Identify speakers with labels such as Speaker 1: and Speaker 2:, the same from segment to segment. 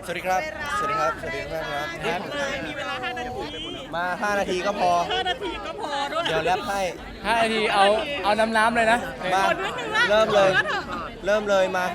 Speaker 1: สวัสดีครับ สวัสดีครับ สวัสดีครับ
Speaker 2: มีเวลา5 นาที
Speaker 1: มา 5 นาทีก็พอ
Speaker 2: 5 นาทีก็พอด้วย
Speaker 1: เดี๋ยวแรปให้
Speaker 3: 5 นาทีเอาน้ำเลยนะ
Speaker 1: มา เริ่มเลย เริ่มเลยมา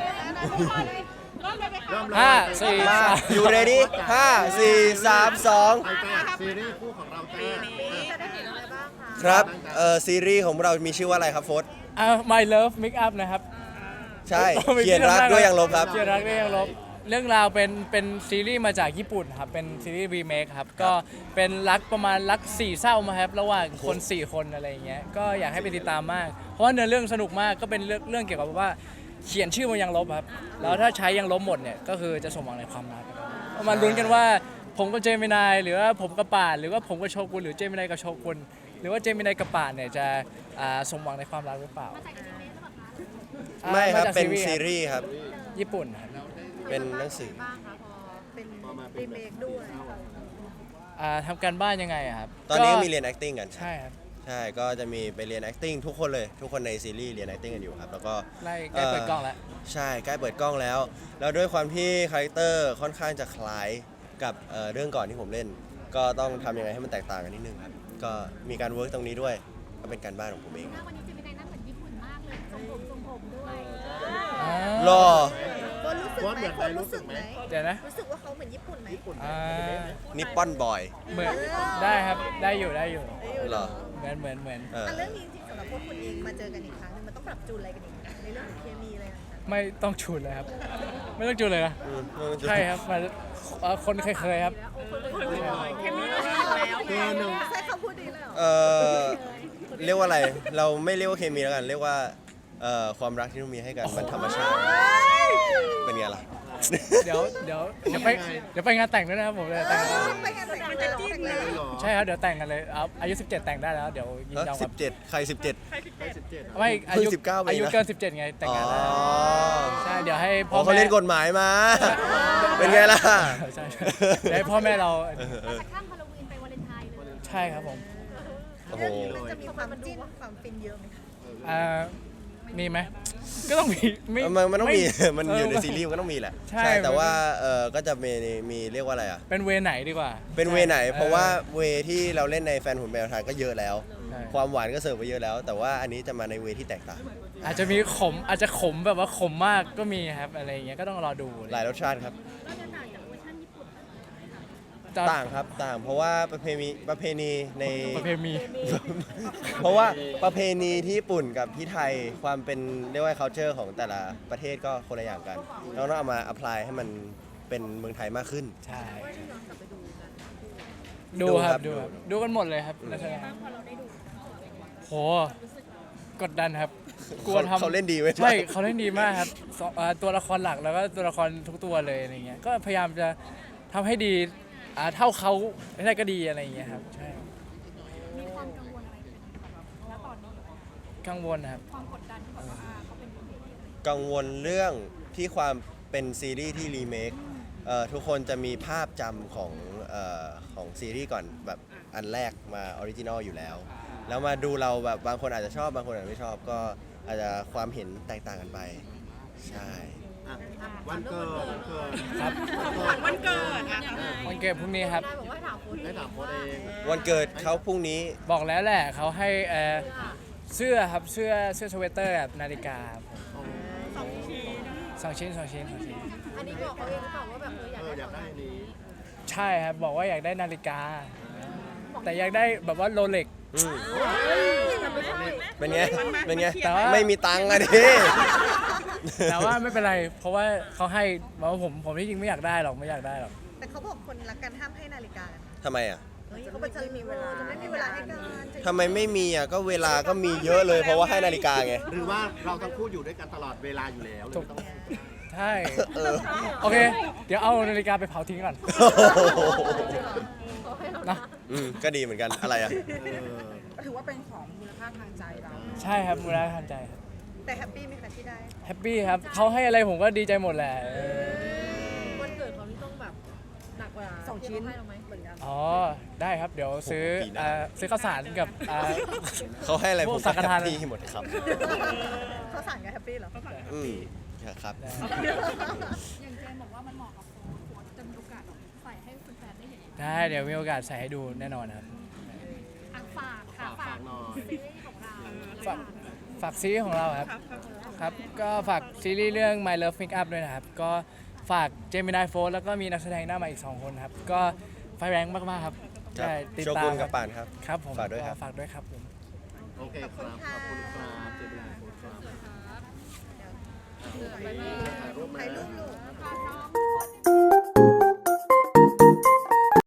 Speaker 3: ห้าสี่
Speaker 1: มา
Speaker 3: สาม
Speaker 1: อยู่ ready 5 4 3 2
Speaker 4: ซีรีส์คู่ของเราจ้า
Speaker 1: ครับซีรีส์ของเรามีชื่อว่าอะไรครับโฟส
Speaker 3: My Love Make Up นะครับ
Speaker 1: ใช่ เขียนรักด้วยยังลบครับ
Speaker 3: เขียนรักด้วยยังลบ เรื่องราวเป็นซีรีส์มาจากญี่ปุ่นครับ เป็นซีรีส์รีเมคครับ ก็เป็นรักประมาณรัก4เศร้ามาครับ ระหว่างคน4คนอะไรอย่างเงี้ย ก็อยากให้ไปติดตามมาก เพราะว่าเนื้อเรื่องสนุกมาก ก็เป็นเรื่องเกี่ยวกับว่าเขียนชื่อมันยังลบครับ แล้วถ้าใช้ยังลบหมดเนี่ย ก็คือจะสมหวังในความรักมาลุ้นกันว่าผมกับเจมินายหรือว่าผมกับป่านหรือว่าผมกับโชกุนหรือเจมินายกับโชกุนหรือว่าเจมินายกับป่านเนี่ยจะสมหวังในความรักหรือเปล่า
Speaker 1: ไม่ครับ
Speaker 3: าจาก
Speaker 1: เป็นซีรีส์ครับ
Speaker 3: ญี่ปุ่นครับ
Speaker 1: เป็นหนังสือ
Speaker 2: บ้างคะพอเป็นรีเมคด้วย
Speaker 3: ทำการบ้านยังไงอะครับ
Speaker 1: ตอนนี้ก็มีเรียน acting กัน
Speaker 3: ใช่ครับ
Speaker 1: ใช่ ก็จะมีไปเรียน acting ทุกคนเลย ทุกคนในซีรีส์เรียน acting กันอยู่ครับ แล้วก็
Speaker 3: ใกล้เปิดกล้องแล้ว
Speaker 1: ใช่ ใกล้เปิดกล้องแล้ว แล้วด้วยความที่คาแรคเตอร์ค่อนข้างจะคล้ายกับเรื่องก่อนที่ผมเล่น ก็ต้องทำยังไงให้มันแตกต่างกันนิดนึงครับ ก็มีการเวิร์กตรงนี้ด้วย ก็เป็นการบ้านของผมเอง
Speaker 5: วันนี้จะมีในนั้นเหมือนญี่ปุ่นมากเลยทรงผมด้วย
Speaker 1: รอ
Speaker 2: คนรู้สึกไหม
Speaker 3: เดี๋ยวนะ
Speaker 2: รู้สึกว่าเขาเหมือนญี่ปุ่นไหม
Speaker 3: อ่า
Speaker 1: นิปปอนบอย
Speaker 3: เหมือนได้ครับได้อยู่
Speaker 1: เหรอ
Speaker 3: เหมือน
Speaker 1: เออ
Speaker 2: เรื่องนี้จริงๆสำหรับพวกคุณเองมาเจอกันอีกครั้งนึงมันต้องปรับจูนอะไรกันอีกในเรื่องของเคมีอะไรต่าง
Speaker 3: ไม่ต้องจูนเลยครับ ไม่ต้องจูนเลยนะ
Speaker 1: อืม
Speaker 3: ใช่ครับมาคนเคยครับ
Speaker 2: ๆเคมีเราดีแล้วใช้คำพูดดีเลยเหรอ
Speaker 1: เรียกว่าอะไร เราไม่เรียกว่าเคมีแล้วกัน เรียกว่าความรักที่เรามีให้กันมันธรรมชาติ เป็นไงล่ะ
Speaker 3: เดี๋ยวไปงานแต่งด้วยนะครับผมเลยแต่ง
Speaker 2: ไปงานแต่งมันจะจิ้นเลย
Speaker 3: ใช่ครับเดี๋ยวแต่งกันเลยเอาอายุ17แต่งได้แล้วเดี๋ยวยินยอมครับ
Speaker 1: 17 ใคร 17
Speaker 3: ไม่อายุ
Speaker 1: เพิ่ง19
Speaker 3: อายุ
Speaker 1: เองนะ
Speaker 3: เกิน17ไงแต่งงานได้ใช่เดี๋ยวให้พ่
Speaker 1: อ๋
Speaker 3: อ
Speaker 1: อเขา
Speaker 3: แม่
Speaker 1: เล่นกฎหมายมา เป็นไงล่ะ
Speaker 3: ใช่เดี๋ยวให้พ่อแม่เรา
Speaker 5: จากข้ามฮาโลวีนไปวาเลนไทน์เลย
Speaker 3: ใช่ครับผม
Speaker 1: โอ้โห
Speaker 2: เรื่องนี้มันจะมีความจิ้นความฟินเยอะไหมคะ
Speaker 3: มีไหมก็ต้องมี
Speaker 1: มันต้องมี มันอยู่ใน
Speaker 3: เ
Speaker 1: ซีรีส์มันก็ต้องมีแหละ
Speaker 3: ใช่
Speaker 1: แต่ว่าก็จะมีเรียกว่าอะไรอ่ะ
Speaker 3: เป็นเวไหนดีกว่า
Speaker 1: เป็นเวไหน
Speaker 3: ใช่
Speaker 1: เพราะว่าเวที่เราเล่นในแฟนหุ่นแมวทางก็เยอะแล้ว
Speaker 3: ใช่
Speaker 1: ความหวานก็เสิร์ฟไปเยอะแล้ว แต่ว่าอันนี้จะมาในเวที่แตกต่าง
Speaker 3: อาจจะมีขมอาจจะขมแบบว่าขมมากก็มีครับอะไรอย่างเงี้ยก็ต้องรอดู
Speaker 1: หลายรสชาติครับ
Speaker 5: ก็จะต่างจากเวอร์ชันญี่ปุ่น
Speaker 1: ต่างครับ ต่าง เพราะว่าประเพณีใน
Speaker 3: ประเพณี
Speaker 1: เพราะว่าประเพณีที่ญี่ปุ่นกับที่ไทยความเป็นเรียกว่า culture ของแต่ละประเทศก็คนละอย่างกันเราต้องเอามา apply ให้มันเป็นเมืองไทยมากขึ้น
Speaker 3: ใช่ดูครับ
Speaker 1: ดู
Speaker 3: ดูกันหมดเลยครับนักแสดงโหกดดันครับกลัวทำ
Speaker 1: เขาเล่นดีไหม
Speaker 3: ใช่เขาเล่นดีมากครับตัวละครหลักแล้วก็ตัวละครทุกตัวเลยอะไรเงี้ยก็พยายามจะทำให้ดีเท่าเขาไม่ได้ก็ดีอะไรอย่างเงี้ยครับใช่
Speaker 5: มีความกังวลอะไรไหมณตอนนี้
Speaker 3: กังวลนะครับ
Speaker 5: ความกดดันที่แบบว่าเขาเป็นคนเอก
Speaker 1: กังวลเรื่องที่ความเป็นซีรีส์ที่รีเมคทุกคนจะมีภาพจำของซีรีส์ก่อนแบบอันแรกมาออริจินอลอยู่แล้ว แล้วมาดูเราแบบบางคนอาจจะชอบบางคนอาจจะไม่ชอบก็อาจจะความเห็นแตกต่างกันไปใช่
Speaker 4: วันเกิด
Speaker 3: ครับ
Speaker 2: วันเกิดอะ
Speaker 3: วันเกิดพรุ่งนี้ครับ
Speaker 5: ได้บอกว่าถามคุณ
Speaker 4: ได้ถามโค้ดเอง
Speaker 1: วันเกิดเขาพรุ่งนี้
Speaker 3: บอกแล้วแหละเขาให้เสื้อครับเสื้อสเวตเตอร์แบบนาฬิกาครับสองชิ้น
Speaker 5: อันนี้บอกเขาเองหรือเปล่าว่าแบบอยาก
Speaker 4: อยากได้อันนี้
Speaker 3: ใช่ครับบอกว่าอยากได้นาฬิกา แต่อยากได้แบบว่าโรเล็ก
Speaker 1: อืมเป็นไง เป็นไง
Speaker 3: แต่ว่า
Speaker 1: ไม่มีตังค์อะดิ
Speaker 3: แต่ว่าไม่เป็นไร เพราะว่าเขาให้บอกว่าผมที่จริงไม่อยากได้หรอก
Speaker 2: แต่เขาบอกคนรักกันห้ามให้นาฬิกากัน
Speaker 1: ทำไมอ่ะ
Speaker 2: เฮ้ยเขาจะมีเวลาจะไม่มีเวลาให้กัน
Speaker 1: ทำไมไม่มีอ่ะ ก็เวลาก็มีเยอะเลย เพราะว่าให้นาฬิกาไง
Speaker 4: หรือว่าเราทั้งคู่อยู่ด้วยกันตลอดเวลาอยู่แล้ว
Speaker 3: ถูก
Speaker 4: ไม่ต้อง
Speaker 3: ใช่
Speaker 1: เออ
Speaker 3: โอเค เดี๋ยวเอานาฬิกาไปเผาทิ้งก่อนนะ
Speaker 1: ก็ดีเหมือนกัน อะไรอ่ะ
Speaker 2: ถือว่าเป็นของมูลค่าทางใจเรา
Speaker 3: ใช่ครับมูลค่าทางใจครับ
Speaker 2: แต่แฮปปี้ไหมคะที่ได้
Speaker 3: แฮปปี้ครับเขาให้อะไรผมก็ดีใจหมดแหละ
Speaker 5: วันเกิดเขานี่ต้องแบบหนักกว่าที่เขาให้เราไหมเหมือนกัน
Speaker 3: อ๋อ ได้ครับ เดี๋ยวซื้อ
Speaker 1: ปีหน้า
Speaker 3: ซื้อข้าวสารกับ
Speaker 1: เขาให้อะไร
Speaker 3: พ
Speaker 1: ผ
Speaker 3: ว
Speaker 1: ม
Speaker 3: กสังฆทาน
Speaker 1: แฮปปี้หมดครับ
Speaker 2: เขาสั่งกันแฮปปี้เหรอ
Speaker 1: อืมครับ
Speaker 5: อย่างเจนบอกว่ามันเหมาะกับ
Speaker 3: ได้เดี๋ยวมีโอกาสใส่ให้ดูแน่นอนครับ
Speaker 5: อ่ะฝากค่ะ
Speaker 4: ฝากหน่อย
Speaker 5: ซีรีส์ของเรา
Speaker 3: ฝากซีรีส์ของเราครับครับ ก็ฝากซีรีส์เรื่อง My Love Make Up ด้วยนะครับ ก็ฝากเจมินายโฟร์แล้วก็มีนักแสดงหน้าใหม่อีก 2 คนครับ ก็ไฟแรงมากๆครับ
Speaker 1: ครับ
Speaker 3: ได้ติด
Speaker 1: โช
Speaker 3: ตา
Speaker 1: กุ
Speaker 3: ม
Speaker 1: นกับป่านครับ
Speaker 3: ครับผม
Speaker 1: ฝากด้วยครับ
Speaker 3: ฝากด้วยครับผม
Speaker 4: โอเคครับ ขอบคุณครับเจมินาโฟร์ครับถ่ายรูปไหม
Speaker 2: ถ่ายรูปลูก